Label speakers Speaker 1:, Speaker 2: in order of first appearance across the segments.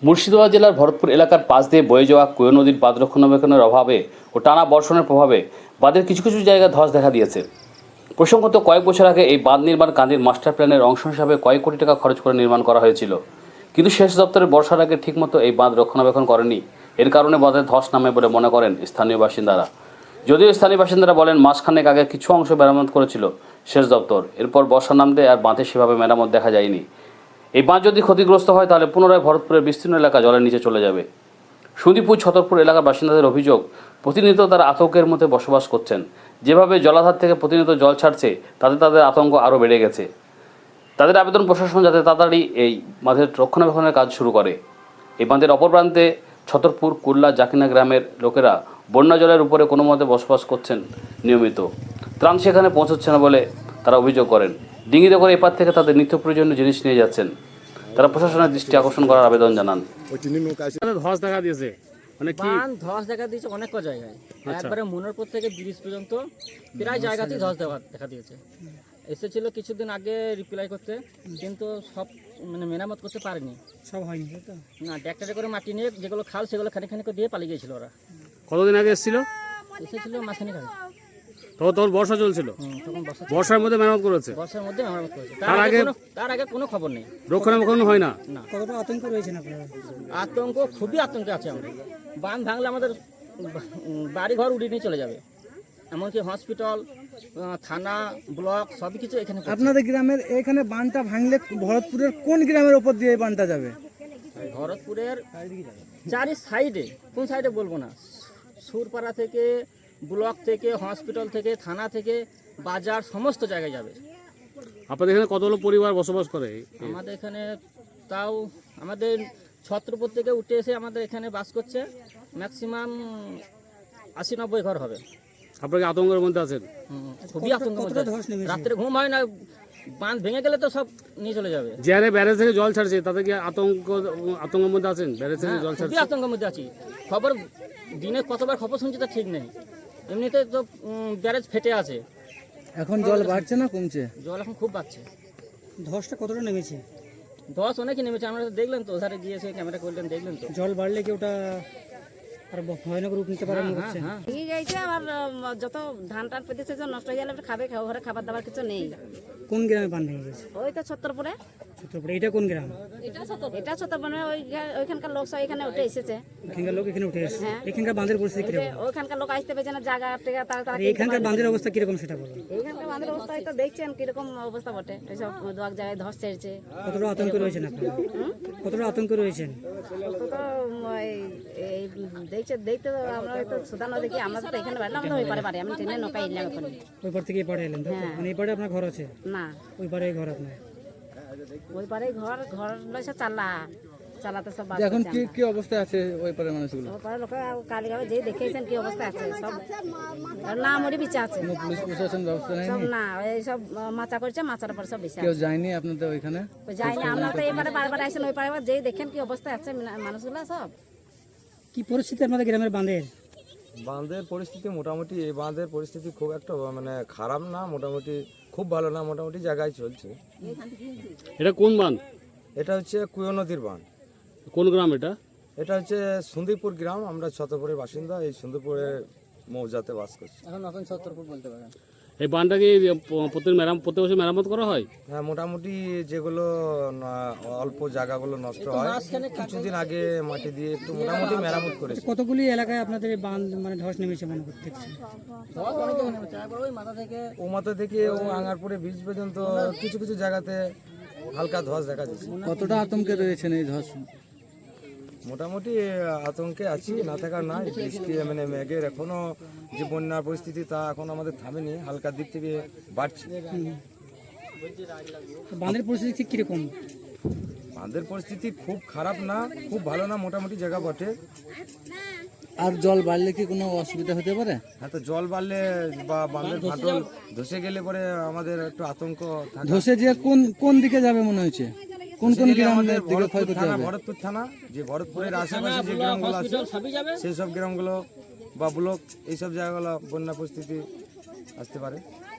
Speaker 1: মুর্শিদাবাদ জেলার ভরতপুর এলাকার পাশ দিয়ে বয়ে যাওয়া কোয় নদীর বাঁধ রক্ষণাবেক্ষণের অভাবে ও টানা বর্ষণের প্রভাবে বাঁধের কিছু কিছু জায়গায় ধস দেখা দিয়েছে। প্রসঙ্গত কয়েক বছর আগে এই বাঁধ নির্মাণ কান্দির মাস্টার প্ল্যানের অংশ হিসাবে কয়েক কোটি টাকা খরচ করে নির্মাণ করা হয়েছিল, কিন্তু সেচ দপ্তরের বর্ষার আগে ঠিকমতো এই বাঁধ রক্ষণাবেক্ষণ করেনি। এর কারণে বাঁধে ধস নামে বলে মনে করেন স্থানীয় বাসিন্দারা। যদিও স্থানীয় বাসিন্দারা বলেন মাসখানেক আগে কিছু অংশ মেরামত করেছিল সেচ দপ্তর, এরপর বর্ষা নামতে আর বাঁধে সেভাবে মেরামত দেখা যায়নি। এই বাঁধ যদি ক্ষতিগ্রস্ত হয় তাহলে পুনরায় ভরতপুরের বিস্তীর্ণ এলাকা জলের নিচে চলে যাবে। সুদীপুর ছতরপুর এলাকার বাসিন্দাদের অভিযোগ, প্রতিনিয়ত তারা আতঙ্কের মধ্যে বসবাস করছেন। যেভাবে জলাধার থেকে প্রতিনিয়ত জল ছাড়ছে তাতে তাদের আতঙ্ক আরও বেড়ে গেছে। তাদের আবেদন প্রশাসন যাতে তাড়াতাড়ি এই বাঁধের রক্ষণাবেক্ষণের কাজ শুরু করে। এই বাঁধের অপর প্রান্তে ছতরপুর কুল্লা জাকিনা গ্রামের লোকেরা বন্যা জলের উপরে কোনো মতে বসবাস করছেন নিয়মিত। ত্রাণ সেখানে পৌঁছচ্ছে না বলে তারা অভিযোগ করেন। ডিঙিতে করে এপার থেকে তাদের নিত্য প্রয়োজনীয় জিনিস নিয়ে যাচ্ছেন। তারা প্রশাসনের দৃষ্টি আকর্ষণ করার আবেদন জানান।
Speaker 2: ধস দেখা দিয়েছে, মানে কি
Speaker 3: ধস দেখা দিয়েছে অনেক জায়গায়, একবারে মনোরপুর থেকে ব্রিজ পর্যন্ত প্রায় জায়গাতেই ধস দেখা দিয়েছে। এসেছিল কিছুদিন আগে রিপ্লাই করতে, কিন্তু সব মানে মেরামত করতে পারেনি,
Speaker 4: সব হয়নি তো
Speaker 3: না। ট্র্যাক্টরে করে মাটি নিয়ে যেগুলো খাল সেগুলো খানিক দিয়ে পালিয়ে গিয়েছিল ওরা।
Speaker 2: কতদিন আগে এসেছিল?
Speaker 3: এসেছিল মাঝখানে আগে।
Speaker 2: তখন বর্ষা চলছিল,
Speaker 3: তখন
Speaker 2: বর্ষার মধ্যে মেরামত করেছে।
Speaker 3: বর্ষার মধ্যে মেরামত করেছে, তার আগে কোনো খবর নেই,
Speaker 2: রক্ষণাবেক্ষণ হয় না।
Speaker 4: কতটা আতঙ্ক রয়েছে না আপনারা?
Speaker 3: আতঙ্ক, খুবই আতঙ্কে আছে আমরা। বাঁধ ভাঙলে আমাদের বাড়ি ঘর উড়িয়ে নিয়ে চলে যাবে, এমনকি হসপিটাল, থানা, ব্লক সবই কিছু এখানে।
Speaker 4: আপনাদের গ্রামের এখানে বাঁধটা ভাঙলে ভরতপুরের কোন গ্রামের ওপর দিয়ে এই বাঁধটা যাবে?
Speaker 3: ভরতপুরের চারি সাইডে, কোন সাইডে বলবো না, সুরপাড়া থেকে, ব্লক থেকে, হসপিটাল থেকে, থানা থেকে, বাজার, সমস্ত জায়গায় যাবে।
Speaker 2: আপনাদের এখানে কতগুলো পরিবার বসবাস করে?
Speaker 3: আমাদের এখানে তাও আমাদের ছত্রপুর থেকে উঠে এসে আমাদের এখানে বাস করছে ম্যাক্সিমাম 80-90 ঘর হবে।
Speaker 2: আপনাকে আতঙ্কের মধ্যে আছেন?
Speaker 3: খুবই আতঙ্ক, রাত্রে ঘুম হয় না। বাঁধ ভেঙে গেলে তো সব নিয়ে চলে যাবে।
Speaker 2: যে হারে ব্যারেজ থেকে জল ছাড়ছে তাতে কি আতঙ্কের মধ্যে আছেন? ব্যারেজ থেকে জল ছাড়ছে,
Speaker 3: খুবই আতঙ্কের মধ্যে আছি। খবর দিনে কতবার খবর শুনছি তা ঠিক নেই। এমনিতে তো ব্যারেজ ফেটে আছে।
Speaker 4: এখন জল বাড়ছে না কমছে?
Speaker 3: জল এখন খুব বাড়ছে।
Speaker 4: ধসটা কতটা নেমেছে?
Speaker 3: ধস অনেকই নেমেছে, আমরা তো দেখলেন তো, ওধারে গিয়েছে ক্যামেরা করলেন, দেখলেন তো।
Speaker 4: জল বাড়লে কি ওটা আর ভয়ানক রূপ নিতে পারে মনে হচ্ছে?
Speaker 5: ঠিক আছে, আবার যত ধান টান পেতেছে নষ্ট হয়ে গেলে খাবে, ঘরে খাবার দাবার কিছু নেই।
Speaker 4: কোন গ্রামে বান ভেঙে গেছে?
Speaker 5: ওই তো ছত্তরপুরে।
Speaker 4: ছত্রপুরে, এটা কোন গ্রাম?
Speaker 5: এটা ছত্তরপুরে, ওইখানকার লোক সব এখানে উঠে এসেছে।
Speaker 4: এখানকার লোক এখানে উঠে এসেছে।
Speaker 5: হ্যাঁ।
Speaker 4: এখানকার বাঁধের পরিস্থিতি কিরকম?
Speaker 5: ওইখানকার লোক আসতে পেরেছে না, জায়গা টেগা তারা।
Speaker 4: এখানকার বাঁধের অবস্থা কিরকম সেটা বলুন।
Speaker 5: এইখানকার বাঁধের অবস্থা তো দেখছেন কিরকম অবস্থা বটে। এইসব দু এক জায়গায় ধস ছেড়েছে।
Speaker 4: কতটা আতঙ্ক রয়েছেন আপনারা? কতটা আতঙ্ক রয়েছেন?
Speaker 5: তো এই দেখতে তো আমরা তো সুদানো দেখি, আমরা তো এখানে বাড়লাম, আমরা ওই পারে বাড়ি, আমি ট্রেনে নৌকা এলাম এখন।
Speaker 4: ওই পার থেকে এই পাড়ে এলেন? মানে এই পাড়ে আপনার ঘর আছে?
Speaker 5: না,
Speaker 4: ওই পাড়ে ঘর আপনার?
Speaker 5: ওই পারে ঘর লইছে চালাতে সব।
Speaker 4: এখন কি কি অবস্থা আছে ওই পারে মানুষগুলো?
Speaker 5: ওই পারে লোকে কালীগাঁও যে দেখেছেন কি অবস্থা আছে, সব না মরে বিচে আছে।
Speaker 4: পুলিশ প্রশাসন ব্যবস্থা নেই?
Speaker 5: সব না, এই সব মাচা করছে, মাচার পর সব বিচে
Speaker 4: কেউ যায়নি আপনাদের ওইখানে?
Speaker 5: যায়নি, আমরা তো এবারে বারবার আসেন ওই পারে, যেই দেখেন কি অবস্থা আছে মানুষগুলো সব।
Speaker 4: কি পরিস্থিতি আপনাদের গ্রামের বাঁধের?
Speaker 6: বাঁধের পরিস্থিতি মোটামুটি, এই বাঁধের পরিস্থিতি খুব একটা মানে খারাপ না, মোটামুটি খুব ভালো না, মোটামুটি জায়গায় চলছে।
Speaker 2: এটা কোন বাঁধ?
Speaker 6: এটা হচ্ছে কুয়ো নদীর বাঁধ।
Speaker 2: কোন গ্রাম এটা?
Speaker 6: এটা হচ্ছে সুন্দরপুর গ্রাম, আমরা ছতরপুরের বাসিন্দা, এই সুন্দরপুরের মৌজাতে বাস করছি।
Speaker 3: এখন নতুন ছত্তরপুর বলতে পারেন।
Speaker 2: এই বাঁধটাকে প্রত্যেক বছর মেরামত করা হয়?
Speaker 6: হ্যাঁ, মোটামুটি যেগুলো অল্প জায়গাগুলো নষ্ট হয়, কিছুদিন আগে মাটি দিয়ে একটু মোটামুটি মেরামত করেছে।
Speaker 4: কতগুলি এলাকায় আপনাদের এই বাঁধ মানে ধস নেমেছে মনে করতে?
Speaker 6: ও মাথা থেকে ও আঙ্গারপুরে বীজ পর্যন্ত কিছু কিছু জায়গাতে হালকা ধস দেখা যাচ্ছে।
Speaker 4: কতটা আতঙ্কে রয়েছেন এই ধস?
Speaker 6: মোটামুটি আতঙ্কে আছি, না থাকার নয়। বৃষ্টি মানে মেঘের এখনো যে বন্যার পরিস্থিতি তা এখন আমাদের থামেনি, হালকার দিক থেকে বাড়ছে।
Speaker 4: বাঁধের পরিস্থিতি কিরকম?
Speaker 6: বাঁধের পরিস্থিতি খুব খারাপ না, খুব ভালো না, মোটামুটি জায়গা বটে।
Speaker 4: আর জল বাড়লে কি কোনো অসুবিধা হতে পারে?
Speaker 6: হ্যাঁ, তো জল বাড়লে বা বাঁধের ফাটল ধসে গেলে পরে আমাদের একটু আতঙ্ক থাকে।
Speaker 4: ধসে যে কোন কোন দিকে যাবে মনে হচ্ছে? কোন কোন গ্রামের দিকে ক্ষয়ক্ষতি হবে?
Speaker 6: ভরতপুর থানা, যে ভরতপুরের আশেপাশে যে গ্রামগুলো আছে সেই সব গ্রামগুলো বা ব্লক, এইসব জায়গাগুলো বন্যা পরিস্থিতি আসতে পারে।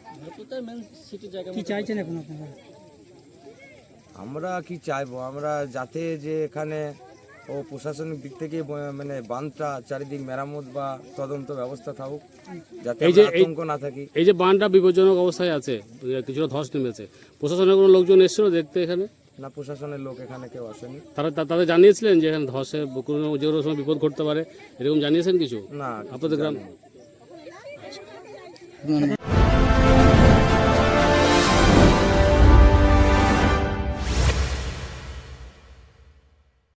Speaker 4: কি চাইছেন এখন আপনারা?
Speaker 6: আমরা কি চাইবো, আমরা যাতে যে এখানে ও প্রশাসনিক দিক থেকে মানে বাঁধটা চারিদিক মেরামত বা তদন্ত ব্যবস্থা থাকুক, যাতে
Speaker 2: এই যে
Speaker 6: আমরা আতঙ্ক না থাকি।
Speaker 2: এই যে বাঁধটা বিপজ্জনক অবস্থায় আছে, কিছুটা ধস নেমেছে, প্রশাসনের কোনো লোকজন এসেছিল দেখতে এখানে?
Speaker 6: না, প্রশাসনের লোক এখানে কেউ আসেনি।
Speaker 2: তাদের জানিয়েছিলেন যে এখানে ধসে কোনো যে কোনো সময় বিপদ ঘটতে পারে, এরকম জানিয়েছেন কিছু
Speaker 6: না,
Speaker 2: আপনাদের গ্রাম?
Speaker 6: জানিনি।